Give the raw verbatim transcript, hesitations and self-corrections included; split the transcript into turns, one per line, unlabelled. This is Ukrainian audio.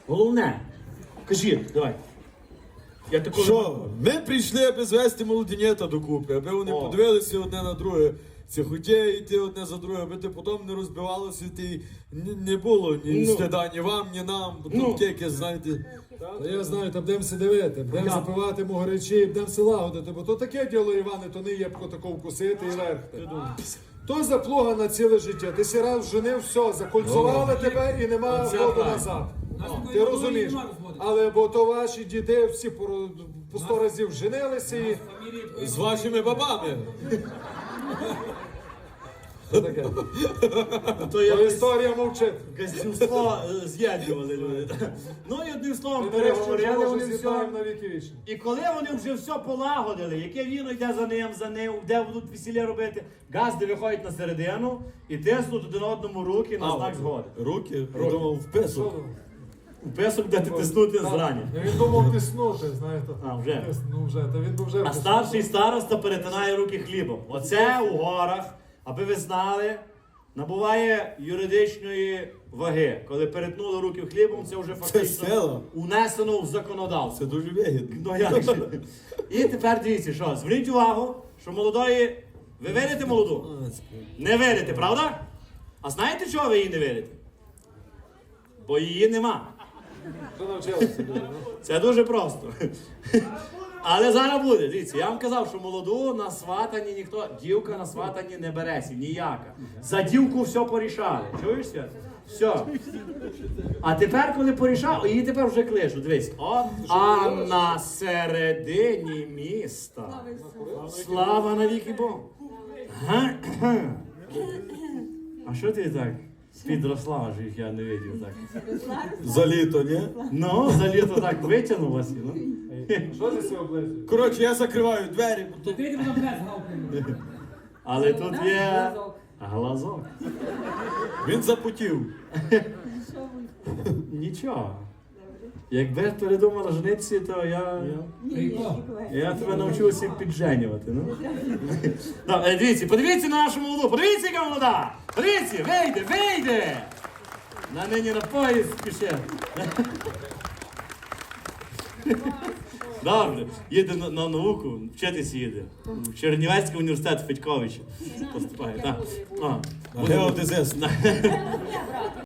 Головне. Кажи, давай. Я такого...
Що? Ми прийшли, аби звести молодінєта докупи, аби вони
О.
подивилися одне на друге. Це хотіє йти одне за друге, аби ти потім не розбивалося, ти не, не було ні
Ну.
стида, ні вам, ні нам. Бо
Ну.
тут якесь, знаєте.
Та я знаю, там будемо все дивити, будемо
Я.
запивати могоречі, будемо все лагодити, бо то таке діло, Іване, то не є б такого вкусити і верхти. То заплуга на ціле життя. Ти сі раз женив, все, закольцували тебе і нема
Оце
воду
правильно.
назад.
Нас такої
Ти
водою
розумієш?
нема розводити.
Але бо то ваші діди всі по, по сто разів женилися і
З вашими бабами.
що таке?
То
То
якось
історія мовчить.
газдівство е, з'єднували люди. Ну і одним словом,
Ми нарешті
переговорили
вже
вони все.
з'єднаємо на віки вічні.
І коли вони вже все полагодили, яке віно йде за ним, за ним, де будуть весілля робити, газди виходять на середину і тиснуть один одному руки на знак згоди.
Руки, я думав, в песок.
У песок де ти тиснути зрані.
Ну, він думав тиснути, знаєте.
А, вже?
Тис- Ну вже, та він би вже
А
втиснув.
старший староста перетинає руки хлібом. Оце у горах, аби ви знали, набуває юридичної ваги. Коли перетнули руки хлібом, це вже фактично
сила.
унесено в законодавство.
Це дуже вигідно.
Ну як же? І тепер дивіться, що, зверніть увагу, що молодої... Ви вірите молоду? Не вірите, правда? А знаєте, чого ви її не вірите? Бо її нема.
Вже навчилися. ну.
Це дуже просто. Але зараз буде. Дивіться, я вам казав, що молоду на сватанні ніхто, дівка на сватанні не береться, ніяка. За дівку все порішали. Чуєш, Свят? Все. А тепер, коли порішав, її тепер вже кличуть. Дивись. О, а на середині міста. Слава навіки Богу. А що ти так підросла, аж їх я не видів так.
За літо, ні?
Ну, за літо так витягнулася. Ну.
Що ти себе облизуєш?
Коротше, я закриваю двері, бо тут
Ти йди на без галки.
Але тут є глазок.
він запотів.
Нічого. Якби передумала женитися, то я, я тебе навчуся підженювати. Ну. Ну, е, дивіться, подивіться на нашу молоду, подивіться, яка молода! Подивіться, вийде, вийде! На нині на поїзд спіше. Добре, їде на, на науку, вчитися їде. В Чернівецький університет Федьковича поступає. Так. О,
Геодезист.